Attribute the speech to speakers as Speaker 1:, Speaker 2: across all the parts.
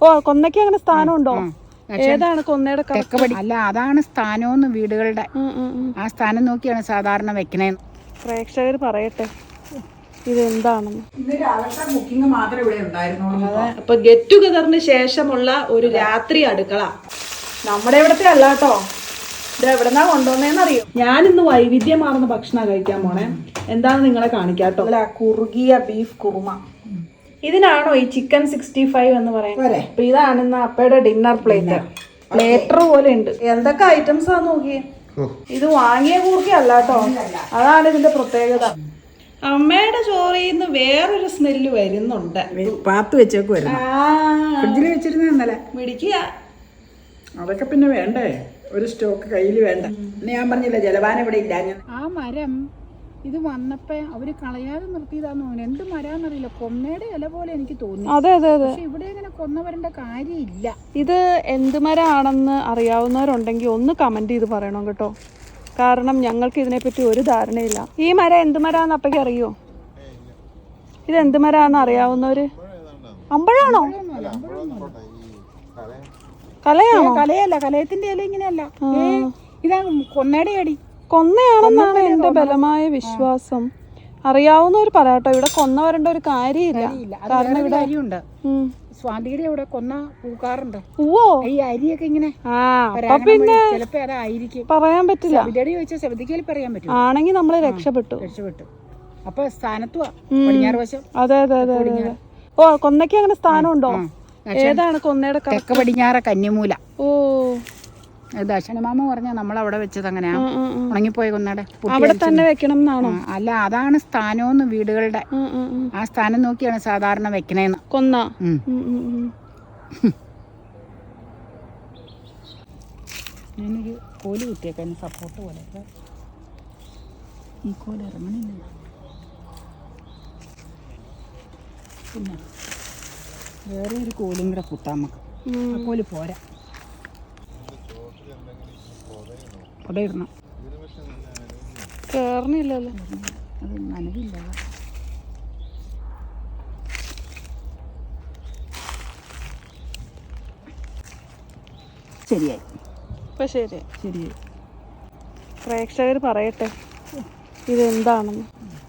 Speaker 1: ഓ കൊന്നയ്ക്ക് അങ്ങനെ സ്ഥാനമുണ്ടോ? ഏതാണ് കൊന്നയുടെ
Speaker 2: തെക്കപടി? അല്ല, അതാണ് സ്ഥാനമെന്ന് വീടുകളുടെ. ആ സ്ഥാനം നോക്കിയാണ് സാധാരണ വെക്കണേന്ന്.
Speaker 1: പ്രേക്ഷകർ പറയട്ടെ ഇതെന്താണെന്ന്.
Speaker 2: ബുക്കിംഗ് മാത്രമേ ഇവിടെ ഉണ്ടായിരുന്നുള്ളൂ.
Speaker 1: അപ്പൊ ഗെറ്റ് ടുഗദറിന് ശേഷമുള്ള ഒരു രാത്രി അടുക്കള. നമ്മുടെ ഇവിടത്തെ അല്ല കേട്ടോ, ഇത് എവിടെന്നാ കൊണ്ടുവന്നേന്നറിയോ? ഞാനിന്ന് വൈവിധ്യമാർന്ന ഭക്ഷണം കഴിക്കാൻ പോണേ. എന്താണെന്ന് നിങ്ങളെ കാണിക്കാട്ടോ. അല്ല, കുറുകിയ ബീഫ് കുറുമ. ഇതിനാണോ ഈ ചിക്കൻ 65 എന്ന് പറയുന്നത്? അപ്പൊ ഇതാണ് ഇന്ന് അപ്പയുടെ ഡിന്നർ പ്ലേറ്റ്. പ്ലേറ്റർ പോലെ ഉണ്ട്. എന്തൊക്കെ ഐറ്റംസ് ആ നോക്കിയേ. ഇത് വാങ്ങിയ കൂർക്കയല്ല കേട്ടോ, അതാണ് ഇതിന്റെ പ്രത്യേകത. അമ്മയുടെ ചോറിൽ നിന്ന് വേറൊരു സ്മെല്ല് വരുന്നുണ്ട്.
Speaker 2: പാത്ത് വെച്ചേക്ക് വരുന്നു, ഫ്രിഡ്ജിൽ വെച്ചിരുന്ന ഇന്നലെ
Speaker 1: പിടിക്കുക.
Speaker 2: അതൊക്കെ പിന്നെ വേണ്ടേ, ഒരു സ്റ്റോക്ക് കയ്യിൽ വേണ്ട. ഞാൻ പറഞ്ഞില്ല ജലപാനം ഇവിടെ ഇല്ല. ആ മരം ഇത് വന്നപ്പോ അവര് കളയാതെ നിർത്തിയതാന്ന് തോന്നുന്നു. എന്ത് മരാന്നറിയില്ല, കൊന്നയുടെ ഇല പോലെ എനിക്ക് തോന്നി.
Speaker 1: അതെ അതെ അതെ,
Speaker 2: പക്ഷെ ഇവിടെ ഇങ്ങനെ കൊന്ന വരേണ്ട കാര്യമില്ല.
Speaker 1: ഇത് എന്ത് മരമാണെന്ന് അറിയാവുന്നവരുണ്ടെങ്കിൽ ഒന്ന് കമന്റ് ചെയ്ത് പറയണം കേട്ടോ, കാരണം ഞങ്ങൾക്ക് ഇതിനെപ്പറ്റി ഒരു ധാരണയില്ല. ഈ മരം എന്ത് മരാന്ന് അപ്പയ്ക്ക് അറിയോ? ഇത് എന്ത് മരാന്ന് അറിയാവുന്നവര്? അമ്പഴാണോ? കലയാണോ?
Speaker 2: കലയല്ല, കലയത്തിന്റെ ഇല ഇങ്ങനെയല്ല, ഇതാ കൊന്നയുടെ അടി.
Speaker 1: കൊന്നയാണെന്നാണ് എന്റെ ബലമായ വിശ്വാസം. അറിയാവുന്നവർ പറയാട്ടോ, ഇവിടെ കൊന്ന വരേണ്ട ഒരു കാര്യമില്ല. കാരണം ഇവിടെ
Speaker 2: അരിയുണ്ട്, സ്വാതിയുടെ ഇവിടെ കൊന്ന പൂക്കാറുണ്ട്.
Speaker 1: പൂവോ?
Speaker 2: ഈ അരിയൊക്കെ ഇങ്ങനെ
Speaker 1: പിന്നെ
Speaker 2: ചിലപ്പോ അതായിരിക്കും,
Speaker 1: പറയാൻ പറ്റില്ല.
Speaker 2: സവിതയോട് ചോദിച്ചാൽ സവിതയ്ക്ക് പറയാൻ പറ്റും.
Speaker 1: ആണെങ്കിൽ നമ്മള് രക്ഷപ്പെട്ടു.
Speaker 2: അപ്പൊ സ്ഥാനത്തുവാ പടിഞ്ഞാറ് വശം.
Speaker 1: അതെ അതെ അതെ അതെ. ഓ കൊന്നയ്ക്ക് അങ്ങനെ സ്ഥാനമുണ്ടോ? ഏതാണ് കൊന്നയുടെ?
Speaker 2: തെക്ക് പടിഞ്ഞാറ കന്നിമൂല.
Speaker 1: ഓ,
Speaker 2: ദർശനമാമ പറഞ്ഞ നമ്മളവിടെ വെച്ചത് അങ്ങനെയാ, ഉണങ്ങിപ്പോയ കൊന്നയുടെ.
Speaker 1: അവിടെ തന്നെ വെക്കണം എന്നാണോ?
Speaker 2: അല്ല, അതാണ് സ്ഥാനമെന്ന് വീടുകളുടെ. ആ സ്ഥാനം നോക്കിയാണ് സാധാരണ വെക്കണേന്ന്.
Speaker 1: കൊന്ന
Speaker 2: ഞാനൊരു കോല് കുത്തിയേക്കാൻ സപ്പോർട്ട് പോലെ. ഈ കോല് ഇറങ്ങണില്ല. പിന്നെ വേറെ ഒരു കോലും കൂടെ കുത്താം നമുക്ക്. ആ കോല് പോരാ, അവിടെ ഇടണം.
Speaker 1: കേറണില്ലല്ലോ,
Speaker 2: അത് നനവില്ല. ശരിയായി,
Speaker 1: ഇപ്പൊ ശരിയായി.
Speaker 2: ശരിയായി.
Speaker 1: പ്രേക്ഷകർ പറയട്ടെ ഇതെന്താണെന്ന്.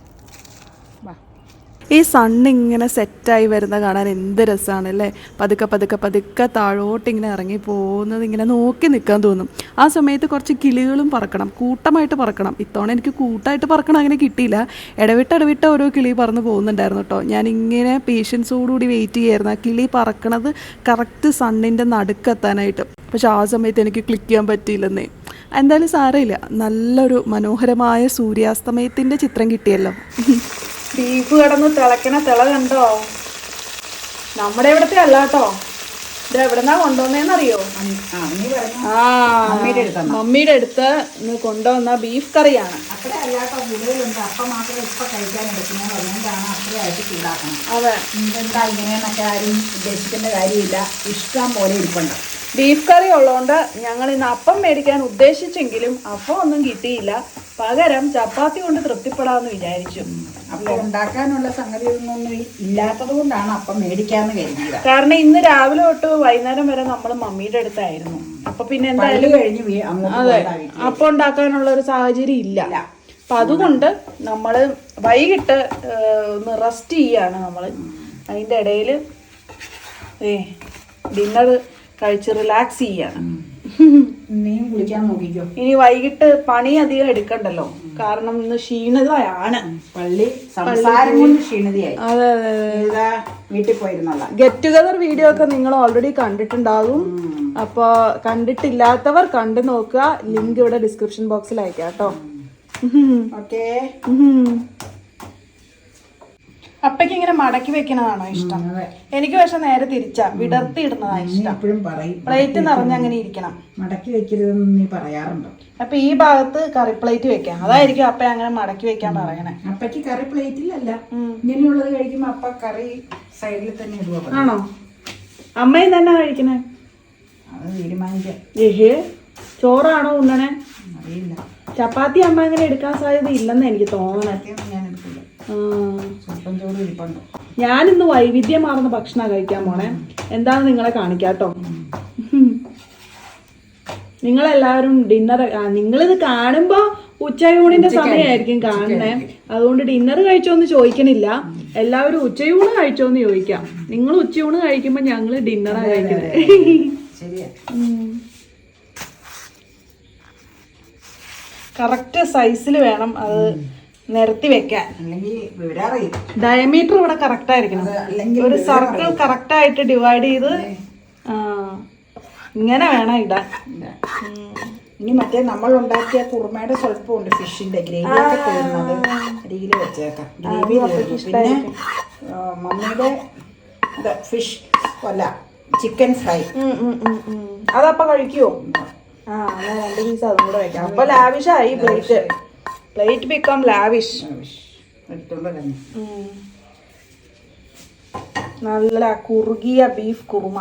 Speaker 1: ഈ സണ്ണ് ഇങ്ങനെ സെറ്റായി വരുന്ന കാണാൻ എന്ത് രസമാണ് അല്ലേ. പതുക്കെ പതുക്കെ പതുക്കെ താഴോട്ട് ഇങ്ങനെ ഇറങ്ങി പോകുന്നത് ഇങ്ങനെ നോക്കി നിൽക്കാൻ തോന്നും. ആ സമയത്ത് കുറച്ച് കിളികളും പറക്കണം, കൂട്ടമായിട്ട് പറക്കണം. ഇത്തവണ എനിക്ക് കൂട്ടമായിട്ട് പറക്കണം അങ്ങനെ കിട്ടിയില്ല. ഇടവിട്ട് ഓരോ കിളി പറന്ന് പോകുന്നുണ്ടായിരുന്നു കേട്ടോ. ഞാനിങ്ങനെ പേഷ്യൻസോടുകൂടി വെയിറ്റ് ചെയ്യായിരുന്നു ആ കിളി പറക്കണത് കറക്റ്റ് സണ്ണിൻ്റെ നടുക്കെത്താനായിട്ട്. പക്ഷെ ആ സമയത്ത് എനിക്ക് ക്ലിക്ക് ചെയ്യാൻ പറ്റിയില്ലെന്നേ. എന്തായാലും സാരമില്ല, നല്ലൊരു മനോഹരമായ സൂര്യാസ്തമയത്തിൻ്റെ ചിത്രം കിട്ടിയല്ലോ. ബീഫ് കിടന്ന് തിളക്കണ തിള കണ്ടോ? നമ്മുടെ ഇവിടത്തെ അല്ല കേട്ടോ, ഇത് എവിടെന്നാ കൊണ്ടുവന്നേന്നറിയോ? മമ്മിയുടെ അടുത്ത് ഇന്ന് കൊണ്ടുവന്ന ബീഫ് കറിയാണ്. അതെ,
Speaker 2: ഇതെന്താ ഇങ്ങനെയെന്നൊക്കെ ആരും ഉദ്ദേശിക്കേണ്ട കാര്യമില്ല, ഇഷ്ടം പോലെ ഇരിപ്പുണ്ട്.
Speaker 1: ബീഫ് കറി ഉള്ളതുകൊണ്ട് ഞങ്ങൾ ഇന്ന് അപ്പം മേടിക്കാൻ ഉദ്ദേശിച്ചെങ്കിലും അപ്പം ഒന്നും കിട്ടിയില്ല. പകരം ചപ്പാത്തി കൊണ്ട് തൃപ്തിപ്പെടാമെന്ന് വിചാരിച്ചു.
Speaker 2: അപ്പം ഉണ്ടാക്കാനുള്ള സംഗതി ഒന്നും ഇല്ലാത്തത് കൊണ്ടാണ് അപ്പം മേടിക്കാന്ന് കരുതിയത്.
Speaker 1: കാരണം ഇന്ന് രാവിലെ തൊട്ട് വൈകുന്നേരം വരെ നമ്മൾ മമ്മിയുടെ അടുത്തായിരുന്നു. അപ്പൊ പിന്നെ എന്തായാലും അതെ, അപ്പം ഉണ്ടാക്കാനുള്ള ഒരു സാഹചര്യം ഇല്ല. അപ്പൊ അതുകൊണ്ട് നമ്മള് വൈകിട്ട് ഒന്ന് റെസ്റ്റ് ചെയ്യാണ് നമ്മള്. അതിന്റെ ഇടയിൽ ഡിന്നർ കഴിച്ച് റിലാക്സ് ചെയ്യാണ്.
Speaker 2: നീയും കുളിക്കാൻ നോക്കിക്കോ.
Speaker 1: ഇനി വൈകിട്ട് പണി അധികം എടുക്കണ്ടല്ലോ, കാരണം ഇന്ന് ക്ഷീണിതയാണ്.
Speaker 2: സംസാരം കൊണ്ട് ക്ഷീണിതയായി.
Speaker 1: അതെ അതെ അതെ,
Speaker 2: വീട്ടിൽ പോയിരുന്നുള്ള
Speaker 1: ഗെറ്റ് ടുഗദർ വീഡിയോ ഒക്കെ നിങ്ങൾ ഓൾറെഡി കണ്ടിട്ടുണ്ടാകും. അപ്പൊ കണ്ടിട്ടില്ലാത്തവർ കണ്ടു നോക്കുക. ലിങ്ക് ഇവിടെ ഡിസ്ക്രിപ്ഷൻ ബോക്സിൽ അയക്കാം കേട്ടോ.
Speaker 2: ഓക്കേ.
Speaker 1: അപ്പയ്ക്ക് ഇങ്ങനെ മടക്കി വെക്കണതാണോ ഇഷ്ടം? എനിക്ക് പക്ഷെ നേരെ തിരിച്ചാ, വിടർത്തി ഇടുന്നതാണ് ഇഷ്ടം. പ്ലേറ്റ് നിറഞ്ഞ് അങ്ങനെ ഇരിക്കണം.
Speaker 2: മടക്കി വെക്കരുതെന്ന് നീ പറയാറുണ്ടോ?
Speaker 1: അപ്പൊ ഈ ഭാഗത്ത് കറി പ്ലേറ്റ് വെക്കാം, അതായിരിക്കും അപ്പ അങ്ങനെ മടക്കി വെക്കാൻ പറയണേ.
Speaker 2: അപ്പയ്ക്ക് കറി പ്ലേറ്റിലല്ല, ഇങ്ങനെയുള്ളത് കഴിക്കുമ്പോ അപ്പ കറി സൈഡിൽ തന്നെ ഇടുക.
Speaker 1: ആണോ? അമ്മയും തന്നെ കഴിക്കണേ?
Speaker 2: അത് തീരുമാനിക്കാം.
Speaker 1: ഏഹേ, ചോറാണോ ഉണ്ണണേ?
Speaker 2: അറിയില്ല.
Speaker 1: ചപ്പാത്തി അമ്മ അങ്ങനെ എടുക്കാൻ സാധ്യത ഇല്ലെന്ന് എനിക്ക് തോന്നണേ.
Speaker 2: ഞാൻ എടുക്കില്ല. സ്വല്പം ചോറ് ഇരിപ്പുണ്ട്.
Speaker 1: ഞാനിന്ന് വൈവിധ്യമാർന്ന ഭക്ഷണം കഴിക്കാൻ പോണേ. എന്താണെന്ന് നിങ്ങളെ കാണിക്കാട്ടോ. നിങ്ങളെല്ലാവരും ഡിന്നർ, നിങ്ങളിത് കാണുമ്പോ ഉച്ചയൂണിന്റെ സമയമായിരിക്കും കാണണേ. അതുകൊണ്ട് ഡിന്നർ കഴിച്ചോന്ന് ചോദിക്കണില്ല, എല്ലാവരും ഉച്ചയൂണ് കഴിച്ചോന്ന് ചോദിക്കാം. നിങ്ങൾ ഉച്ചയൂണ് കഴിക്കുമ്പോ ഞങ്ങള് ഡിന്നറാ കഴിക്കുന്നത്. കറക്റ്റ് സൈസിൽ വേണം അത് നിരത്തി വെക്കാൻ. ഡയമീറ്റർ ഇവിടെ കറക്റ്റ് ആയിരിക്കണം. ഒരു സർക്കിൾ കറക്റ്റ് ആയിട്ട് ഡിവൈഡ് ചെയ്ത് ഇങ്ങനെ വേണം ഇടാൻ.
Speaker 2: ഇനി മറ്റേ നമ്മൾ ഉണ്ടാക്കിയ കുറുമയുടെ സ്വല്പമുണ്ട്, ഫിഷിന്റെ ഗ്രേവി ഒക്കെ തീർന്നത് അരികിൽ വെച്ചേക്കാം. ഗ്രേവി പിന്നെ മമ്മിയുടെ ഫിഷ് അല്ല ചിക്കൻ ഫ്രൈ
Speaker 1: അതപ്പൊ കഴിക്കുവോ? ആ, ഞാൻ 2 പീസ് അതും കൂടെ വെക്കാം. അപ്പൊ ലാവിഷായി പ്ലേറ്റ് ബിക്കം ലാവിഷ്. നല്ല കുറുകിയ ബീഫ് കുറുമ.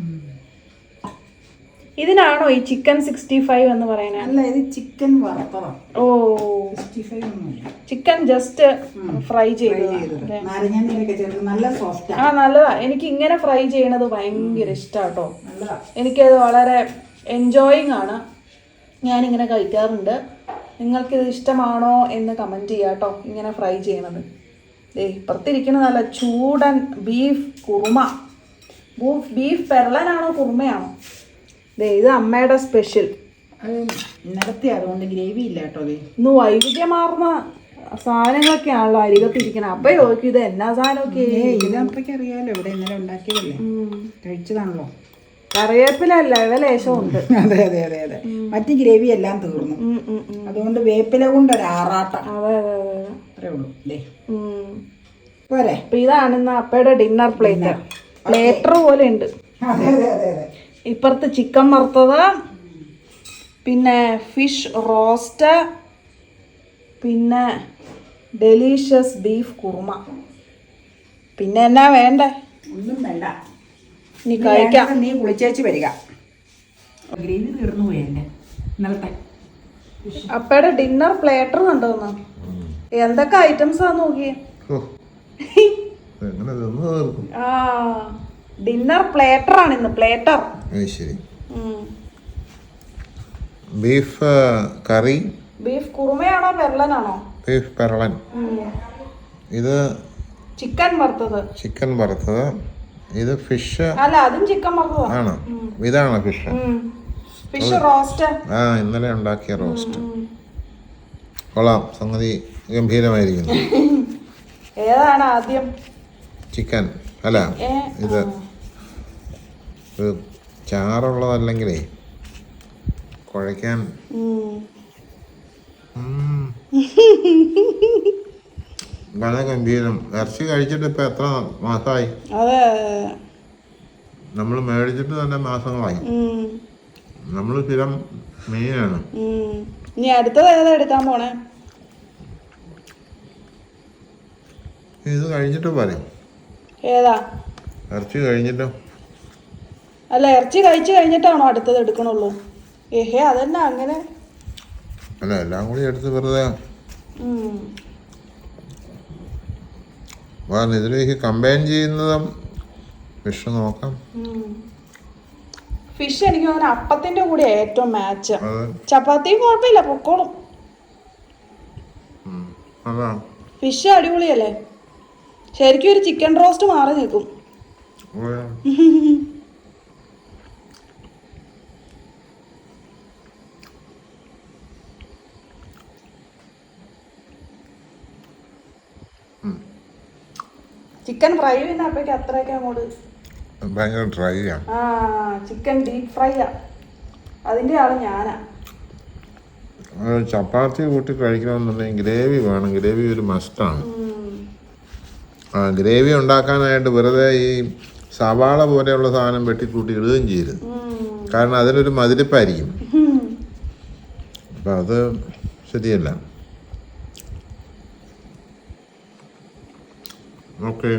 Speaker 1: ഇതിനാണോ ഈ ചിക്കൻ 65 എന്ന് പറയുന്നത്?
Speaker 2: അല്ല, ഇത് ചിക്കൻ വറുത്തതാണ്.
Speaker 1: ഓ,
Speaker 2: 65 ഒന്നുമില്ല,
Speaker 1: ചിക്കൻ ജസ്റ്റ് ഫ്രൈ ചെയ്ത്.
Speaker 2: നല്ല സോഫ്റ്റ്.
Speaker 1: ആ, നല്ലതാ. എനിക്ക് ഇങ്ങനെ ഫ്രൈ ചെയ്യണത് ഭയങ്കര ഇഷ്ടാട്ടോ. എനിക്കത് വളരെ എൻജോയിങ് ആണ്. ഞാനിങ്ങനെ കഴിക്കാറുണ്ട്. നിങ്ങൾക്കിത് ഇഷ്ടമാണോ എന്ന് കമൻറ്റ് ചെയ്യാം കേട്ടോ. ഇങ്ങനെ ഫ്രൈ ചെയ്യണത്. ഇപ്പുറത്തിരിക്കുന്നത് നല്ല ചൂടൻ ബീഫ് കുറുമ. ബീഫ് പെരളനാണോ കുറുമയാണോ? ഇത് അമ്മയുടെ സ്പെഷ്യൽ.
Speaker 2: ഇന്നലത്തെ അതുകൊണ്ട് ഗ്രേവി ഇല്ല കേട്ടോ.
Speaker 1: ഇന്ന് വൈവിധ്യമാർന്ന സാധനങ്ങളൊക്കെയാണല്ലോ അരികത്തിരിക്കണം. അപ്പൊ ചോദിക്കും ഇത് എന്നാ സാധനമൊക്കെ.
Speaker 2: ഇത് അപ്പയ്ക്ക് അറിയാലോ, ഇവിടെ ഇന്നലെ ഉണ്ടാക്കിയതല്ലേ, കഴിച്ചതാണല്ലോ.
Speaker 1: കറിവേപ്പില ലേശം ഉണ്ട്.
Speaker 2: അതെ അതെ അതെ അതെ. മറ്റ് ഗ്രേവി എല്ലാം തീർന്നു. അതുകൊണ്ട് വേപ്പില കൊണ്ട് ഒരു ആറാട്ടം.
Speaker 1: അതെ അതെ അതെ,
Speaker 2: അത്രേ ഉള്ളൂ. പോരെ.
Speaker 1: അപ്പൊ ഇതാണ് ഇന്ന് അപ്പയുടെ ഡിന്നർ പ്ലേറ്റ്. പ്ലേറ്റർ പോലെ ഉണ്ട്.
Speaker 2: അതെ അതെ അതെ അതെ.
Speaker 1: ഇപ്പുറത്ത് ചിക്കൻ വറുത്തത്, പിന്നെ ഫിഷ് റോസ്റ്റ്, പിന്നെ ഡെലീഷ്യസ് ബീഫ് കുറുമ. പിന്നെ എന്നാ വേണ്ടേ?
Speaker 2: ഒന്നും വേണ്ട,
Speaker 1: നീ കഴിക്കാം.
Speaker 2: നീ കുളിച്ചേച്ച് വരിക. ഗ്രേവി തീർന്നു പോയി എൻ്റെ ഇന്നലത്തെ.
Speaker 1: അപ്പയുടെ ഡിന്നർ പ്ലേറ്റർ കണ്ടോന്ന്. എന്തൊക്കെ ഐറ്റംസാ നോക്കിയേ. ആ, ഡിന്നർ പ്ലേറ്റർ ആണ് ഇന്ന്. പ്ലേറ്റർ.
Speaker 3: ശരി. Beef curry.
Speaker 1: ബീഫ് കുറുമയാണോ പെരളനാണോ?
Speaker 3: ബീഫ് പെരളൻ. ഇത്
Speaker 1: ചിക്കൻ വറുത്തത്.
Speaker 3: ചിക്കൻ വറുത്തത്. ഇത് ഫിഷ്.
Speaker 1: അല്ല, അതും ചിക്കൻ വറുത്തത്
Speaker 3: ആണ്. ഇതാണ് ഫിഷ്.
Speaker 1: Fish roast.
Speaker 3: ആ, ഇന്നലെ ഉണ്ടാക്കിയ റോസ്റ്റ്. കൊള്ളാം, സംഗതി ഗംഭീരമായിരിക്കുന്നു.
Speaker 1: ഏതാണ് ആദ്യം?
Speaker 3: ചിക്കൻ. അല്ല, ഇത് ചാറുള്ളതല്ലെങ്കിലേ കുഴയ്ക്കാൻ. വളരെ ഗംഭീരം. ഇറച്ചി കഴിച്ചിട്ട് ഇപ്പൊ എത്ര മാസമായി?
Speaker 1: അതെ,
Speaker 3: നമ്മൾ മേടിച്ചിട്ട് തന്നെ മാസങ്ങളായി. നമ്മൾ സ്ഥിരം മീനാണ്.
Speaker 1: ഇനി അടുത്തത് ഏതാ എടുക്കാൻ പോണേ?
Speaker 3: ഇത് കഴിഞ്ഞിട്ട് പറയും.
Speaker 1: ഏതാ?
Speaker 3: ഇറച്ചി കഴിഞ്ഞിട്ടോ?
Speaker 1: അല്ല, ഇറച്ചി കഴിച്ചു കഴിഞ്ഞിട്ടാണോ അടുത്തത് എടുക്കണുള്ളൂ? ഏഹേ, അതന്നെ അങ്ങനെ.
Speaker 3: അല്ല, എല്ലാം കൂടി എടുത്ത് വെറുതെ ഇതിലേക്ക് കമ്പൈൻ ചെയ്യുന്നതും ഫിഷ് നോക്കാം.
Speaker 1: ഫിഷ് എനിക്ക് തോന്നുന്നു അപ്പത്തിന്റെ കൂടെ ഏറ്റവും മാച്ച്. ചപ്പാത്തിയും കുഴപ്പമില്ല, പൊക്കോളും. ഫിഷ് അടിപൊളിയല്ലേ. ശരിക്കും ഒരു ചിക്കൻ റോസ്റ്റ് മാറി നിൽക്കും. ചിക്കൻ ഫ്രൈ പിന്നെ അപ്പയ്ക്ക് അത്രയൊക്കെ അങ്ങോട്ട്
Speaker 3: ഭയങ്കര ഡ്രൈ ആണ്.
Speaker 1: ആ, ചിക്കൻ ഡീപ് ഫ്രൈ ആ. അതിന്റെ ആള് ഞാനാ.
Speaker 3: ചപ്പാത്തി കൂട്ടി കഴിക്കണമെന്നുണ്ടെങ്കിൽ ഗ്രേവി വേണം. ഗ്രേവി ഒരു മസ്റ്റാണ്. ആ, ഗ്രേവി ഉണ്ടാക്കാനായിട്ട് വെറുതെ ഈ സവാള പോലെയുള്ള സാധനം വെട്ടിക്കൂട്ടി ഇടുകയും ചെയ്യരുത്. കാരണം അതിനൊരു മതിരിപ്പായിരിക്കും. അപ്പം അത് ശരിയല്ല. ഓക്കെ,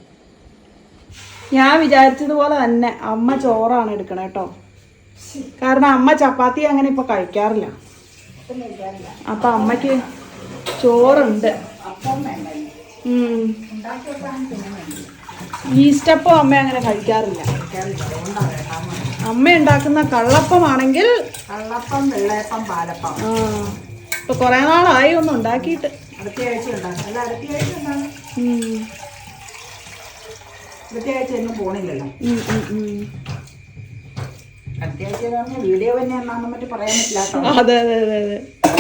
Speaker 1: ഞാൻ വിചാരിച്ചതുപോലെ തന്നെ അമ്മ ചോറാണ് എടുക്കണേ കേട്ടോ. കാരണം അമ്മ ചപ്പാത്തി അങ്ങനെ ഇപ്പൊ കഴിക്കാറില്ല. അപ്പൊ അമ്മക്ക് ചോറുണ്ട്.
Speaker 2: ഉണ്ടാക്കി വെക്കാൻ പിന്നെ വേണ്ടി
Speaker 1: ഈസ്റ്റപ്പം അമ്മ അങ്ങനെ കഴിക്കാറില്ല. അമ്മ ഉണ്ടാക്കുന്ന കള്ളപ്പമാണെങ്കിൽ
Speaker 2: കള്ളപ്പം, വെള്ളയപ്പം, പാലപ്പം
Speaker 1: ഇപ്പൊ കുറെ നാളായി ഒന്നും ഉണ്ടാക്കിയിട്ട്.
Speaker 2: അടുത്ത ആഴ്ച ഉണ്ടാകും. അല്ല അടുത്ത ആഴ്ച ഉണ്ടാകും. അടുത്ത ആഴ്ച ഒന്നും പോണില്ലല്ലോ. അടുത്ത ആഴ്ച പറഞ്ഞ വീഡിയോ തന്നെ എന്നാന്ന് മറ്റു പറയാൻ പറ്റില്ല കേട്ടോ.
Speaker 1: അതെ അതെ അതെ അതെ.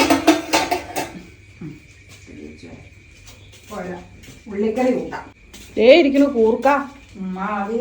Speaker 2: ഉള്ളിക്കറി കൂട്ടാം.
Speaker 1: ഇരിക്കുന്നു കൂർക്ക.
Speaker 2: അത്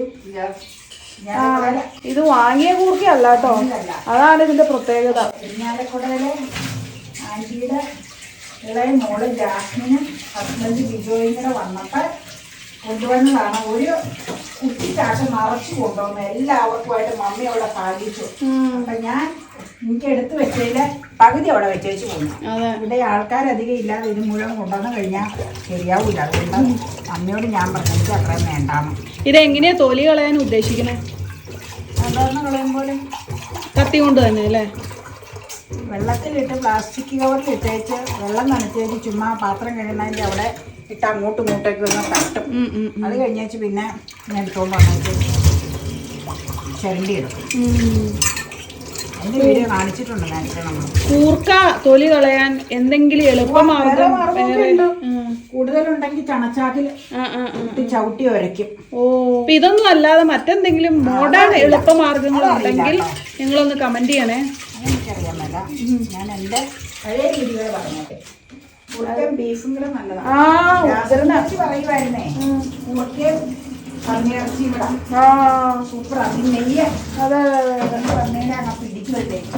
Speaker 1: ഇത് വാങ്ങിയ കൂർക്കയല്ല കേട്ടോ, അതാണ് ഇതിന്റെ പ്രത്യേകത.
Speaker 2: ഇരിഞ്ഞാലക്കുടയിലെ ആൻറ്റിയുടെ ഇളയ മോള് ജാസ്മിനും ഹസ്ബൻഡ് ബിജോയും കൂടെ വന്നപ്പോൾ കൊണ്ടുവന്നതാണ്. ഒരു കുട്ടിക്കാട്ട് നിറച്ച് കൊണ്ടുവന്നു. എല്ലാവർക്കുമായിട്ട് മമ്മി അവിടെ പാലിച്ചു. അപ്പൊ ഞാൻ എനിക്ക് എടുത്ത് വെച്ചതില് പകുതി അവിടെ വെച്ചേച്ച് പോന്നു. ഇവിടെ ആൾക്കാരധികം ഇല്ലാതെ ഇത് മുഴുവൻ കൊണ്ടുവന്ന് കഴിഞ്ഞാൽ ശരിയാവൂല. അതുകൊണ്ട് അമ്മയോട് ഞാൻ പറഞ്ഞു എനിക്ക് അത്രയും വേണ്ടാന്ന്.
Speaker 1: ഇതെങ്ങനെയാ തൊലി കളയാൻ ഉദ്ദേശിക്കണേ?
Speaker 2: സാധാരണ കളയുമ്പോൾ
Speaker 1: കത്തി കൊണ്ട് തന്നെ അല്ലേ?
Speaker 2: വെള്ളത്തിലിട്ട് പ്ലാസ്റ്റിക് കവറിൽ ഇട്ടേച്ച് വെള്ളം നനച്ചേച്ച് ചുമ്മാ പാത്രം കഴിയുന്നതിൻ്റെ അവിടെ ഇട്ട് അങ്ങോട്ടും ഇങ്ങോട്ടേക്ക് ഒന്ന് തട്ടും. അത് കഴിഞ്ഞേച്ച് പിന്നെ ഞാൻ എടുത്തോണ്ട് വന്നിട്ട് ചരണ്ടി എടുക്കും. അതിൻ്റെ വീഡിയോ കാണിച്ചിട്ടുണ്ട് നേരത്തെ നമ്മൾ.
Speaker 1: കൂർക്ക തൊലി കളയാൻ എന്തെങ്കിലും എളുപ്പമാർഗം
Speaker 2: കൂടുതലുണ്ടെങ്കിൽ ചണച്ചാക്കിൽ ഇട്ട് ചവിട്ടി ഉരയ്ക്കും.
Speaker 1: അപ്പൊ ഇതൊന്നും അല്ലാതെ മറ്റെന്തെങ്കിലും മോഡേൺ എളുപ്പമാർഗങ്ങൾ ഉണ്ടെങ്കിൽ നിങ്ങളൊന്ന് കമന്റ് ചെയ്യണേ.
Speaker 2: അതെനിക്കറിയാൻ മേല. ഞാൻ എൻ്റെ പഴയ രീതികൾ പറഞ്ഞോട്ടെ. കൂർക്കയും ബീഫും കൂടെ നല്ലതാണ്. പറയുമായിരുന്നേ കൂർക്കയും പന്നിയിറച്ചി ഇവിടെ സൂപ്പർ. അതിന് നെയ്യ് പറഞ്ഞതിനെ അങ്ങ് പിടിച്ചു വെച്ചേക്കും.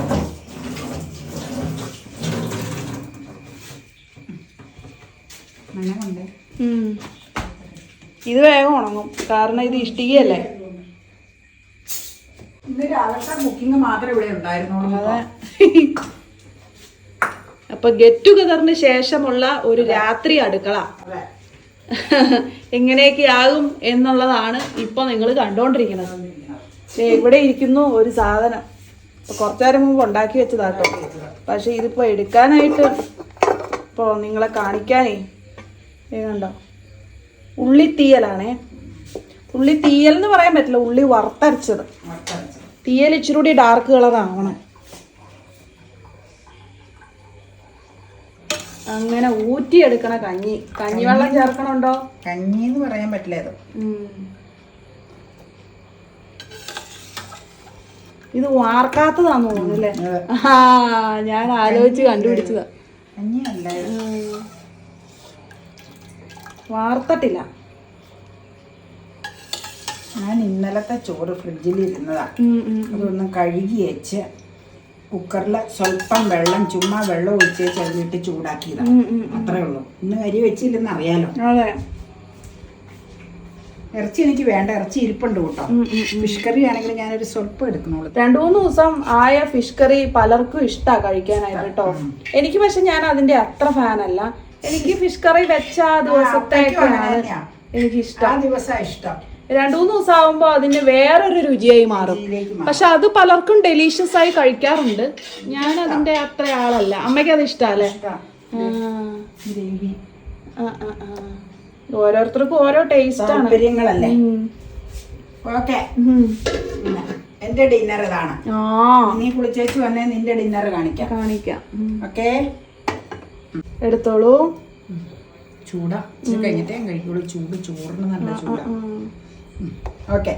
Speaker 2: മണ്ണുണ്ട്.
Speaker 1: ഇത് വേഗം ഉണങ്ങും, കാരണം ഇത് ഇഷ്ടികയല്ലേ.
Speaker 2: ഇന്നൊരു അലക്ക ബുക്കിംഗ് മാത്രമേ ഇവിടെ ഉണ്ടായിരുന്നുള്ളൂ.
Speaker 1: അപ്പൊ ഗെറ്റ് ടുഗദറിന് ശേഷമുള്ള ഒരു രാത്രി അടുക്കള എങ്ങനെയൊക്കെയാകും എന്നുള്ളതാണ് ഇപ്പൊ നിങ്ങൾ കണ്ടോണ്ടിരിക്കുന്നത്. ഇവിടെ ഇരിക്കുന്നു ഒരു സാധനം. ഇപ്പൊ കുറച്ചു നേരം മുമ്പ് ഉണ്ടാക്കി വെച്ചതാട്ടോ. പക്ഷെ ഇതിപ്പോ എടുക്കാനായിട്ട് ഇപ്പൊ നിങ്ങളെ കാണിക്കാനേ കണ്ടോ, ഉള്ളിത്തീയലാണേ. ഉള്ളി തീയൽ എന്ന് പറയാൻ പറ്റില്ല, ഉള്ളി വറുത്തരച്ചത്. തീയൽ ഇച്ചിരി കൂടി ഡാർക്ക് കളർ ആവണം. അങ്ങനെ ഊറ്റിയെടുക്കണ കഞ്ഞി. കഞ്ഞിവെള്ളം ചേർക്കണുണ്ടോ?
Speaker 2: കഞ്ഞി എന്ന് പറയാൻ പറ്റില്ല.
Speaker 1: ഇത് വാർക്കാത്തതാന്ന് തോന്നുന്നു അല്ലേ? ഞാൻ ആലോചിച്ച് കണ്ടുപിടിച്ചതാ.
Speaker 2: കഞ്ഞിയല്ല,
Speaker 1: വാർത്തട്ടില്ല.
Speaker 2: ഞാൻ ഇന്നലത്തെ ചോറ് ഫ്രിഡ്ജിൽ ഇരുന്നതാ. അതൊന്ന് കഴുകി വെച്ച് കുക്കറിൽ സ്വല്പം വെള്ളം, ചുമ്മാ വെള്ളം ഒഴിച്ച് ചെറുതിട്ട് ചൂടാക്കിയതാ. അത്രേ ഉള്ളൂ. ഇന്ന് അരി വെച്ചില്ലെന്ന് അറിയാലോ.
Speaker 1: അതെ.
Speaker 2: ഇറച്ചി എനിക്ക് വേണ്ട, ഇറച്ചി ഇരിപ്പുണ്ട് കേട്ടോ. ഫിഷ് കറി ആണെങ്കിൽ ഞാനൊരു സ്വല്പം എടുക്കണുള്ളൂ.
Speaker 1: 2-3 ദിവസം ആയ ഫിഷ് കറി പലർക്കും ഇഷ്ടാ കഴിക്കാനായിട്ട് കേട്ടോ. എനിക്ക് പക്ഷെ ഞാൻ അതിന്റെ അത്ര ഫാനല്ല. എനിക്ക് ഫിഷ് കറി വെച്ച ആ ദിവസത്തേക്കാണ് എനിക്ക് ഇഷ്ടം.
Speaker 2: ആ ദിവസം ഇഷ്ടം.
Speaker 1: 2-3 ദിവസം ആവുമ്പോ അതിന്റെ വേറൊരു രുചിയായി മാറും. പക്ഷെ അത് പലർക്കും ഡെലീഷ്യസ് ആയി കഴിക്കാറുണ്ട്. ഞാൻ അതിന്റെ അത്ര ആളല്ല. അമ്മയ്ക്ക് അത് ഇഷ്ടല്ലേ? ഓരോരുത്തർക്കും ഓരോ ടേസ്റ്റ് ആണ്.
Speaker 2: താല്പര്യങ്ങളല്ലേ. ഓക്കെ, എന്റെ ഡിന്നർ ഇതാണ്. നീ കുളിച്ചേച്ച് വന്നേ നിന്റെ ഡിന്നർ കാണിക്കാം. ഓക്കെ,
Speaker 1: എടുത്തോളൂ.
Speaker 2: ചൂടാ കഴിഞ്ഞിട്ടേ കഴിക്കുള്ളൂ. ചോറിന് നല്ല ചൂടാ. Okay,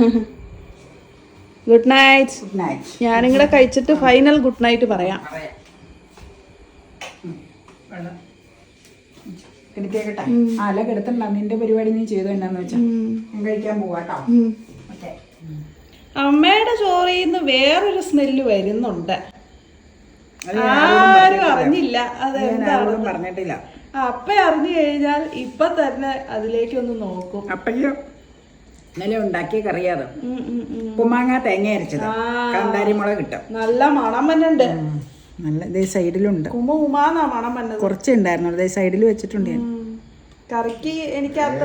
Speaker 1: good night.
Speaker 2: Good night.
Speaker 1: ഞാനിങ്ങനെ കഴിച്ചിട്ട് ഫൈനൽ ഗുഡ് നൈറ്റ് പറയാം.
Speaker 2: എടുത്തേക്കട്ടെ. അല്ല കിടത്തണ്ട, നിന്റെ പരിപാടി നീ ചെയ്തോ. എന്നാന്ന് വെച്ചാ ഞാൻ കഴിക്കാൻ പോവാട്ടോ. ഓക്കെ.
Speaker 1: അമ്മയുടെ ചോറിൽ നിന്ന് വേറൊരു സ്മെല്ല് വരുന്നുണ്ട്. ആരും അറിഞ്ഞില്ല.
Speaker 2: അതെന്താണെന്ന് പറഞ്ഞിട്ടില്ല.
Speaker 1: അപ്പ അറിഞ്ഞു കഴിഞ്ഞാൽ ഇപ്പൊ തന്നെ അതിലേക്കൊന്ന് നോക്കും.
Speaker 2: അപ്പയ്യോ ഇന്നലെ ഉണ്ടാക്കിയ കറിയാത്. ഉപ്പുമാങ്ങ തേങ്ങ അരച്ചത്, കാന്താരി മുളക് കിട്ടും.
Speaker 1: നല്ല മണം വന്നുണ്ട്.
Speaker 2: നല്ല ഇതേ സൈഡിലുണ്ട്.
Speaker 1: ഉമാന്നാ മണം വന്നത്.
Speaker 2: കുറച്ച് ഉണ്ടായിരുന്നു, അതേ സൈഡിൽ വെച്ചിട്ടുണ്ട് ഞാൻ.
Speaker 1: കറിക്ക് എനിക്ക് അത്ര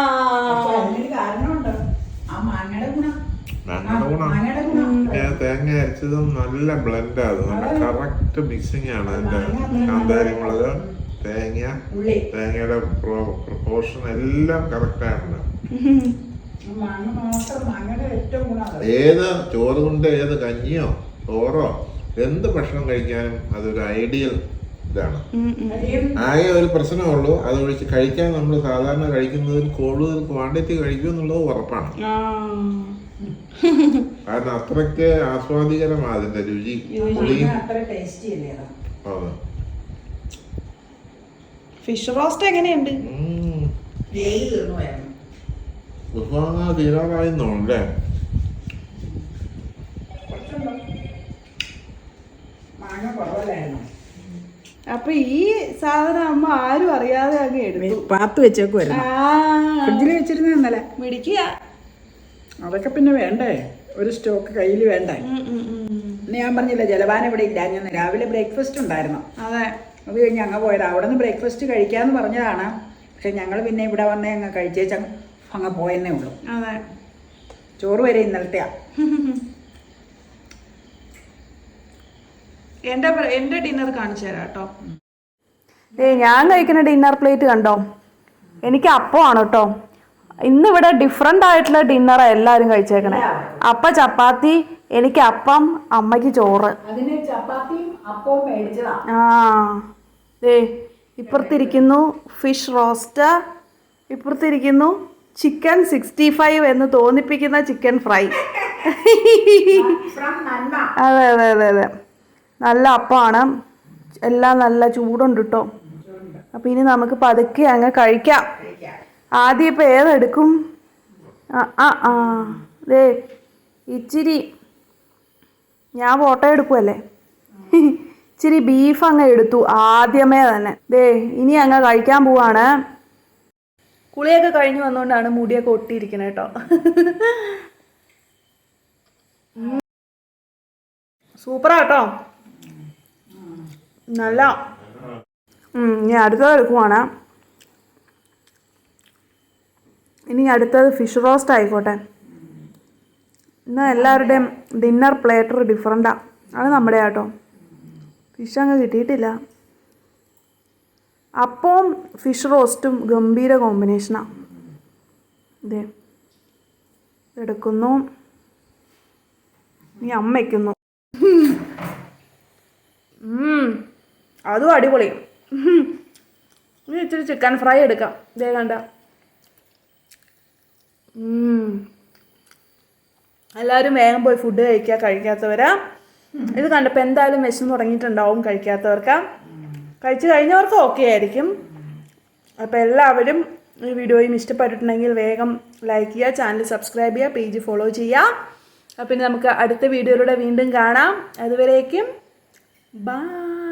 Speaker 2: കാരണമുണ്ട്. ആ മാങ്ങയുടെ ഗുണം.
Speaker 3: തേങ്ങ അരച്ചതും നല്ല ബ്ലെൻഡാണ്, നല്ല കറക്റ്റ് മിക്സിംഗ് ആണ്. അതിന്റെ കാന്താരി മുളക്, തേങ്ങയുടെ പ്രൊപ്പോർഷൻ എല്ലാം കറക്റ്റാണ്. ഏത് ചോറ് കൊണ്ട് ഏത് കഞ്ഞിയോ ചോറോ എന്ത് ഭക്ഷണം കഴിക്കാനും അതൊരു ഐഡിയൽ ഇതാണ്. ആകെ ഒരു പ്രശ്നമുള്ളൂ, അത് ഒഴിച്ച് കഴിക്കാൻ നമ്മൾ സാധാരണ കഴിക്കുന്നതിൽ കൂടുതൽ ക്വാണ്ടിറ്റി കഴിക്കും എന്നുള്ളത് ഉറപ്പാണ്. കാരണം അത്രയ്ക്ക് ആസ്വാദികരമാണ് അതിന്റെ രുചി.
Speaker 1: ഫിഷ് റോസ്റ്റ് എങ്ങനെയുണ്ട്?
Speaker 3: തീരാറായി തോന്നല്ലേ?
Speaker 1: അപ്പൊ ഈ സാധനം അമ്മ ആരും അറിയാതെ അങ്ങ് എടുത്തു
Speaker 2: പാത്ത് വെച്ചേക്കുമായിരുന്നു, ഫ്രിഡ്ജിൽ വെച്ചിരുന്ന ഇന്നലെ.
Speaker 1: മിടിക്കുക.
Speaker 2: അതൊക്കെ പിന്നെ വേണ്ടേ, ഒരു സ്റ്റോക്ക് കയ്യിൽ വേണ്ടേ. ഞാൻ പറഞ്ഞില്ല ജലപാനം ഇവിടെ ഇല്ല. ഞാൻ രാവിലെ ബ്രേക്ക്ഫാസ്റ്റ് ഉണ്ടായിരുന്നു,
Speaker 1: അതെ,
Speaker 2: അത് കഴിഞ്ഞ് അങ്ങ് പോയത്. അവിടെ നിന്ന് ബ്രേക്ക്ഫാസ്റ്റ് കഴിക്കാന്ന് പറഞ്ഞതാണ്. പക്ഷെ ഞങ്ങൾ പിന്നെ ഇവിടെ വന്നേ അങ്ങ് കഴിച്ചേച്ച് അങ്ങ് പോയെന്നേ ഉള്ളൂ.
Speaker 1: അതെ,
Speaker 2: ചോറ് വരെ ഇന്നലത്തെയാ.
Speaker 1: എന്റെ ഡിന്നർ കാണിച്ചു തരാം കേട്ടോ. ഞാൻ കഴിക്കുന്ന ഡിന്നർ പ്ലേറ്റ് കണ്ടോ? എനിക്ക് അപ്പമാണ് കേട്ടോ. ഇന്നിവിടെ ഡിഫറെൻ്റ് ആയിട്ടുള്ള ഡിന്നറാണ് എല്ലാവരും കഴിച്ചേക്കണേ. അപ്പ ചപ്പാത്തി, എനിക്ക് അപ്പം, അമ്മയ്ക്ക് ചോറ്. ദേ ഇപ്പുറത്തിരിക്കുന്നു ഫിഷ് റോസ്റ്റ്, ഇപ്പുറത്തിരിക്കുന്നു ചിക്കൻ 65 എന്ന് തോന്നിപ്പിക്കുന്ന ചിക്കൻ ഫ്രൈ. അതെ അതെ അതെ അതെ, നല്ല അപ്പമാണ്, എല്ലാം നല്ല ചൂടുണ്ട് കേട്ടോ. അപ്പം ഇനി നമുക്ക് പതുക്കെ അങ്ങ് കഴിക്കാം. ആദ്യം ഇപ്പം ഏതെടുക്കും? ദേ ഇച്ചിരി ഞാൻ ഫോട്ടോ എടുക്കുമല്ലേ, ഇച്ചിരി ബീഫ് അങ്ങ് എടുത്തു ആദ്യമേ തന്നെ. ദേ ഇനി അങ്ങ് കഴിക്കാൻ പോവാണ്. കുളിയൊക്കെ കഴിഞ്ഞ് വന്നുകൊണ്ടാണ് മുടിയൊക്കെ ഒട്ടിയിരിക്കുന്നത് കേട്ടോ. സൂപ്പറാ കേട്ടോ, നല്ല. ഇനി അടുത്തത് എടുക്കുവാണ്. ഇനി അടുത്തത് ഫിഷ് റോസ്റ്റ് ആയിക്കോട്ടെ. ഇന്ന് എല്ലാവരുടെയും ഡിന്നർ പ്ലേറ്റർ ഡിഫറെൻറ്റാണ്. അത് നമ്മുടെ കേട്ടോ. ഫിഷ് അങ്ങ് കിട്ടിയിട്ടില്ല. അപ്പവും ഫിഷ് റോസ്റ്റും ഗംഭീര കോമ്പിനേഷനാണ്. ഇതേ എടുക്കുന്നു, ഇനി അമ്മ വയ്ക്കുന്നു. അതും അടിപൊളി. ഇനി ഇച്ചിരി ചിക്കൻ ഫ്രൈ എടുക്കാം. ഇതേ കണ്ട. എല്ലാവരും വേഗം പോയി ഫുഡ് കഴിക്കാത്തവരാ. ഇത് കണ്ടപ്പോൾ എന്തായാലും വിശന്ന് തുടങ്ങിയിട്ടുണ്ടാവും കഴിക്കാത്തവർക്ക്. കഴിച്ച് കഴിഞ്ഞവർക്ക് ഓക്കെ ആയിരിക്കും. അപ്പോൾ എല്ലാവരും ഈ വീഡിയോയും ഇഷ്ടപ്പെട്ടിട്ടുണ്ടെങ്കിൽ വേഗം ലൈക്ക് ചെയ്യുക, ചാനൽ സബ്സ്ക്രൈബ് ചെയ്യുക, പേജ് ഫോളോ ചെയ്യുക. പിന്നെ നമുക്ക് അടുത്ത വീഡിയോയിലൂടെ വീണ്ടും കാണാം. അതുവരേക്കും ബൈ.